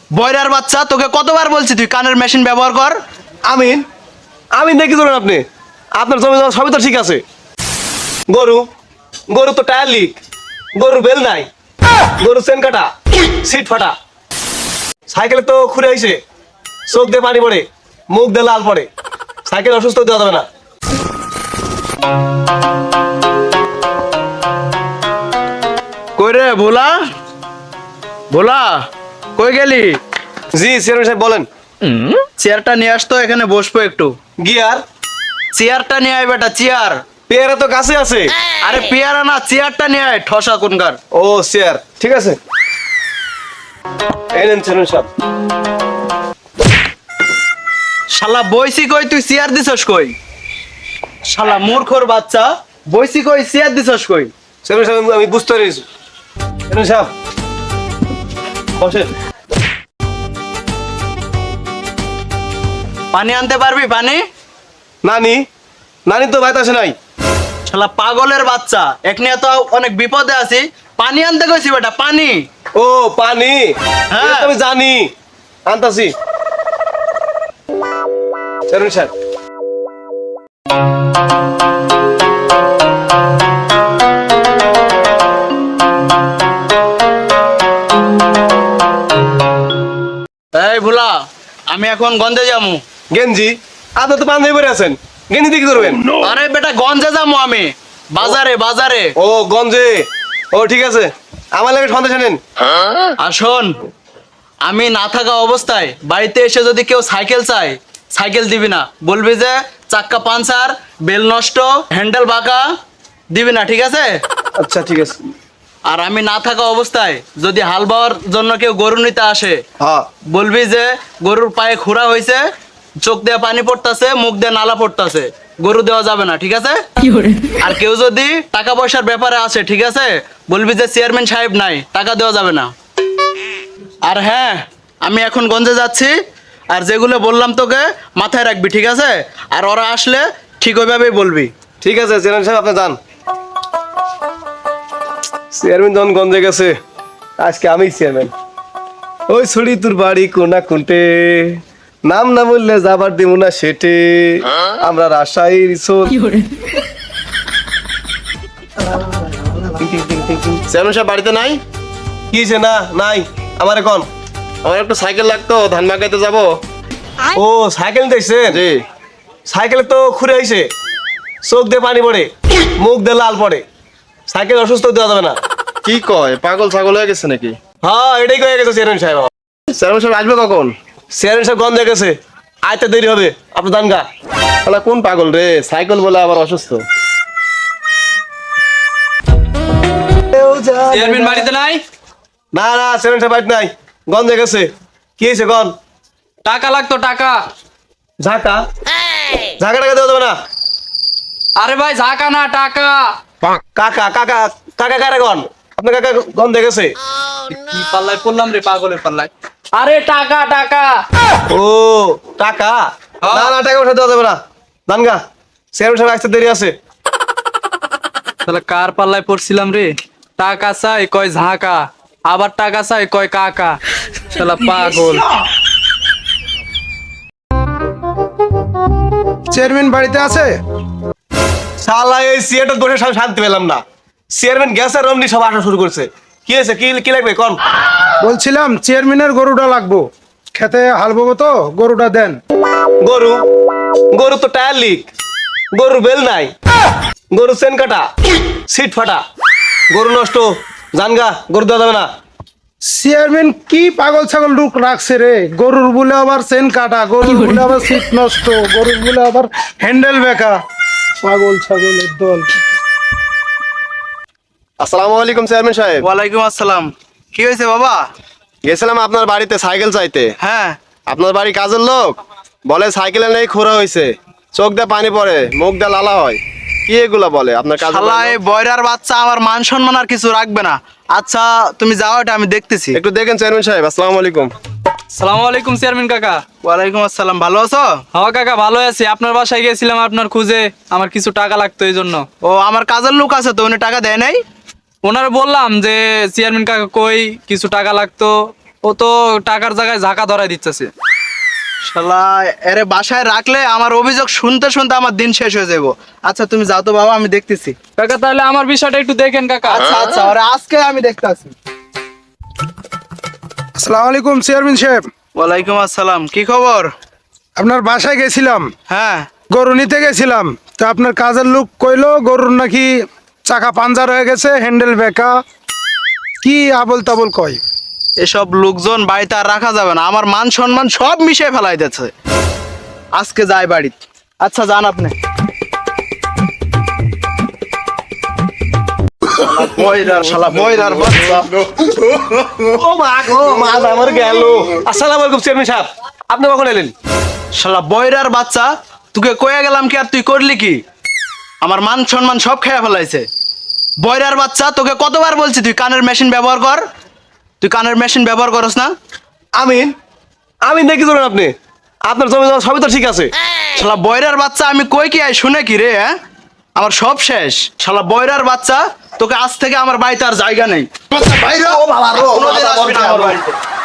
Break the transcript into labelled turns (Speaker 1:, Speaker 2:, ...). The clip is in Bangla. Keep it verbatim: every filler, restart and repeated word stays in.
Speaker 1: বয়রার বাচ্চা, তোকে কতবার বলছি তুই কানের মেশিন ব্যবহার কর।
Speaker 2: আমিন আমিন দেখি ধরুন আপনি, আপনার জমি জমা সবই তো ঠিক আছে। গরু গরু তো টায়ার লিক, গরুর বেল নাই, গরু চেন কাটা, সিট ফাটা, সাইকেলে তো খুঁড়ে আইছে, চোখ দিয়ে পানি পড়ে, মুখ দিয়ে লাল পড়ে, সাইকেল অসুস্থ দেওয়া যাবে না।
Speaker 1: কই রে ভোলা, ভোলা কই গেলি?
Speaker 2: জি চেয়ারম্যান সাহেব বলেন।
Speaker 1: চেয়ারটা নিয়ে আসতো, এখানে বসবো একটু।
Speaker 2: গিয়ার
Speaker 1: চেয়ারটা নিয়ে আয় বেটা, চেয়ার।
Speaker 2: পেয়ারা তো কাছে আছে।
Speaker 1: আরে পেয়ারা না, চেয়ারটা নিয়ে আয়, ঠসা কোনকার।
Speaker 2: ও চেয়ার, ঠিক আছে। এই নেন চেয়ারম্যান সাহেব।
Speaker 1: শালা বইসি কই, তুই চেয়ার দিছস কই? শালা মূর্খর বাচ্চা, বইসি কই, চেয়ার দিছস কই?
Speaker 2: চেয়ারম্যান সাহেব আমি বুঝতে পেরেছি। চেয়ারম্যান সাহেব বসেন।
Speaker 1: পানি আনতে পারবি পানি?
Speaker 2: নানি নানি তো বাইতে আসে নাই।
Speaker 1: শালা পাগলের বাচ্চা, এখানে তো অনেক বিপদে আছি, পানি আনতে কইছি বেটা, পানি।
Speaker 2: ও পানি,
Speaker 1: হ্যাঁ।
Speaker 2: এটা তো আমি জানি, আনতাছি। চেয়ারম্যান সাহেব
Speaker 1: এই ভোলা, আমি এখন গঞ্জে যামু।
Speaker 2: গেঞ্জি, আপনি তো পাঞ্জাবি পরে আছেন, গেঞ্জি দিয়ে কি করবেন?
Speaker 1: আরে বেটা গঞ্জে যামু আমি, বাজারে বাজারে।
Speaker 2: ও গঞ্জে, ও ঠিক আছে, আমার লাগে সন্দেশ আনেন।
Speaker 1: আর শোন, আমি না থাকা অবস্থায় বাড়িতে এসে যদি কেউ সাইকেল চায়, সাইকেল দিবি না, বলবি যে চাক্কা পাঞ্চার, বেল নষ্ট, হ্যান্ডেল বাঁকা, দিবি না, ঠিক আছে?
Speaker 2: আচ্ছা ঠিক আছে।
Speaker 1: আর আমি না থাকা অবস্থায় যদি হাল বাওয়ার জন্য কেউ গরু নিতে আসে,
Speaker 2: হ্যাঁ
Speaker 1: বলবি যে গরুর পায়ে খুরা হয়েছে, চোখ দিয়ে পানি পড়তাছে, মুখ দিয়ে নালা পড়তাছে, গরু দেওয়া যাবে না, ঠিক আছে? আর কেউ যদি টাকা পয়সার ব্যাপারে আসে, ঠিক আছে, বলবি যে চেয়ারম্যান সাহেব নাই, টাকা দেওয়া যাবে না। আর হ্যাঁ, আমি এখন গঞ্জে যাচ্ছি, আর যেগুলো বললাম তোকে মাথায় রাখবি, ঠিক আছে? আর ওরা আসলে ঠিক ওইভাবেই বলবি।
Speaker 2: ঠিক আছে চেয়ারম্যান সাহেব, আপনি যান। চেয়ারম্যান যখন গঞ্জে গেছে, আজকে আমি চেয়ারম্যান। ওই ছড়ি তোর বাড়ি কোনা কুন্টে, নাম না বললে যাবার দিব না সেটে, আমরা রাজশাহীর ইসোর।
Speaker 3: চেয়ারম্যান সাহেব বাড়িতে নাই?
Speaker 2: কি হয়েছে? না নাই, আমার এখন
Speaker 3: আমার একটু সাইকেল লাগতো, ধান মাকাইতে যাবো।
Speaker 2: ও সাইকেল দেখছেন?
Speaker 3: জি।
Speaker 2: সাইকেলে তো খুঁড়ে আইছে, চোখ দিয়ে পানি পড়ে, মুখ দিয়ে লাল পড়ে, সাইকেল অসুস্থ দেওয়া যাবে না।
Speaker 3: কি কয়, পাগল ছাগল হয়ে গেছে নাকি?
Speaker 2: হ্যাঁ এটাই কয়ে গেছে চেয়ারম্যান সাহেব।
Speaker 3: চেয়ারম্যান সাহেব আসবে কখন?
Speaker 2: চেয়ারম্যান সাহেব গন্ধে গেছে, আইতে দেরি হবে, আপনি দান গা।
Speaker 3: তাহলে কোন পাগল রে, সাইকেল বলে আবার অসুস্থ?
Speaker 1: চেয়ারম্যান বাড়িতে নাই?
Speaker 2: না না চেয়ারম্যান সাহেব বাড়িতে নাই, গন্ধে গেছে। কি হয়েছে গন?
Speaker 4: টাকা লাগতো, টাকা।
Speaker 2: ঝাঁকা ঝাঁকা টাকা দেওয়া যাবে না।
Speaker 4: আরে ভাই ঝাঁকা না, টাকা।
Speaker 2: কাকা কাকা কাকা কারে গন? আপনার কাকা গন্ধে গেছে।
Speaker 4: কি পাল্লায় পড়লাম রে, পাগলের পাল্লায়। আরে টাকা, টাকা।
Speaker 2: ও টাকা,
Speaker 4: হ্যাঁ।
Speaker 2: না না টাকা পয়সা দেওয়া যাবে না, দান গা। চেয়ারম্যান সাহেব আসতে দেরি আছে।
Speaker 4: তাহলে কার পাল্লায় পড়ছিলাম রে? টাকা চাই কয় ঝাঁকা, আবার টাকা চাই কয় কাকা। শালা পাগল।
Speaker 5: চেয়ারম্যান বাড়িতে আছে?
Speaker 2: শালা এই সিয়েটা বসে সব শান্তি পেলাম না। চেয়ারম্যান গ্যাসের রমনি সব আসা শুরু করছে। কি হয়েছে? কি কি লাগবে কোন?
Speaker 5: বলছিলাম চেয়ারম্যানের গরুটা লাগবো, খেতে হাল ববো তো, গরুটা দেন।
Speaker 2: গরু গরু তো টায়ার লিক, গরুর বেল নাই, গরু চেন কাটা, সিট ফাটা, গরু নষ্ট, জানগা, গরু দেওয়া যাবে না।
Speaker 5: চেয়ারম্যান কি পাগল ছাগল লোক রাখছে রে? গরুর বলে আবার চেন কাটা, গরুর বলে আবার সিট নষ্ট, গরুর বলে আবার হ্যান্ডেল বেঁকা, পাগল ছাগলের দল।
Speaker 3: আসসালামু আলাইকুম চেয়ারম্যান সাহেব।
Speaker 1: ওয়ালাইকুম আসসালাম। কি হয়েছে বাবা?
Speaker 3: গেছিলাম আপনার বাড়িতে সাইকেল চাইতে।
Speaker 1: হ্যাঁ।
Speaker 3: আপনার বাড়ি কাজের লোক বলে সাইকেলে নেই, খোরা হয়েছে, চোখ দিয়ে পানি পড়ে, মুখ দিয়ে লালা হয়, কি এগুলা বলে আপনার কাজ?
Speaker 1: শালা এই বয়রার বাচ্চা আমার মান সম্মান আর কিছু রাখবে না। আচ্ছা তুমি যাও, এটা আমি দেখতেছি।
Speaker 3: একটু দেখেন চেয়ারম্যান সাহেব। আসসালামু আলাইকুম।
Speaker 4: সালাম আলাইকুম চেয়ারম্যান কাকা।
Speaker 1: ওয়ালাইকুম আসসালাম। ভালো আছো?
Speaker 4: হ্যাঁ কাকা ভালো আছি, আপনার বাসায় গেছিলাম আপনার খুঁজে, আমার কিছু টাকা লাগতো এই জন্য।
Speaker 1: ও আমার কাজের লোক আছে তো, উনি টাকা দেয় নাই?
Speaker 4: ওনারা বললাম যে চেয়ারম্যান কাকা কই, কিছু টাকা লাগতো, ও তো টাকার জায়গায় ঝাঁকা ধরাই দিতেছে।
Speaker 1: শালা এরে বাসায় রাখলে আমার অভিযোগ শুনতে শুনতে আমার দিন শেষ হয়ে যাবো। আচ্ছা তুমি যাও তো বাবা, আমি দেখতেছি।
Speaker 4: কাকা তাহলে আমার বিষয়টা একটু দেখেন কাকা।
Speaker 1: আচ্ছা আচ্ছা, ওরে আজকে আমি দেখতেছি।
Speaker 5: আসসালামু আলাইকুম চেয়ারম্যান সাহেব।
Speaker 1: ওয়ালাইকুম আসসালাম, কি খবর?
Speaker 5: আপনার বাসায় গেছিলাম,
Speaker 1: হ্যাঁ
Speaker 5: গরু নিতে গেছিলাম, তো আপনার কাজের লোক কইলো গরুর নাকি চাকা পাঞ্জার হয়ে গেছে, হ্যান্ডেল বেঁকা, কি আবল তাবল কয়।
Speaker 1: এসব লোকজন বাড়িতে আর রাখা যাবে না, আমার মান সম্মান সব মিশিয়ে ফেলাই দিচ্ছে। আজকে যাই বাড়িতে। আচ্ছা যান আপনি। শালা বয়রার বাচ্চা।
Speaker 2: ও মা গো, মা আমার গেল। আসসালামু আলাইকুম চেয়ারম্যান সাহেব, আপনি কখন এলেন?
Speaker 1: শালা বয়রার বাচ্চা, তোকে কয়ে গেলাম কি আর তুই করলি কি? আমার মান সম্মান সব খেয়ে ফেলাইছে। বয়রার বাচ্চা, তোকে কতবার বলছি তুই কানের মেশিন ব্যবহার কর। তুই কানের মেশিন ব্যবহার করস না।
Speaker 2: আমিন, আমিন দেখি ধরুন আপনি, আপনার জমি জমা সবই তো ঠিক আছে।
Speaker 1: শালা বয়রার বাচ্চা, আমি কই কি আই শুনে কি রে? হ্যাঁ, আমার সব শেষ। শালা বয়রার বাচ্চা, তোকে আজ থেকে আমার বাড়িতে আর জায়গা নেই।
Speaker 2: ও বাবা,
Speaker 1: কোনোদিন আসবি না আমার বাড়িতে।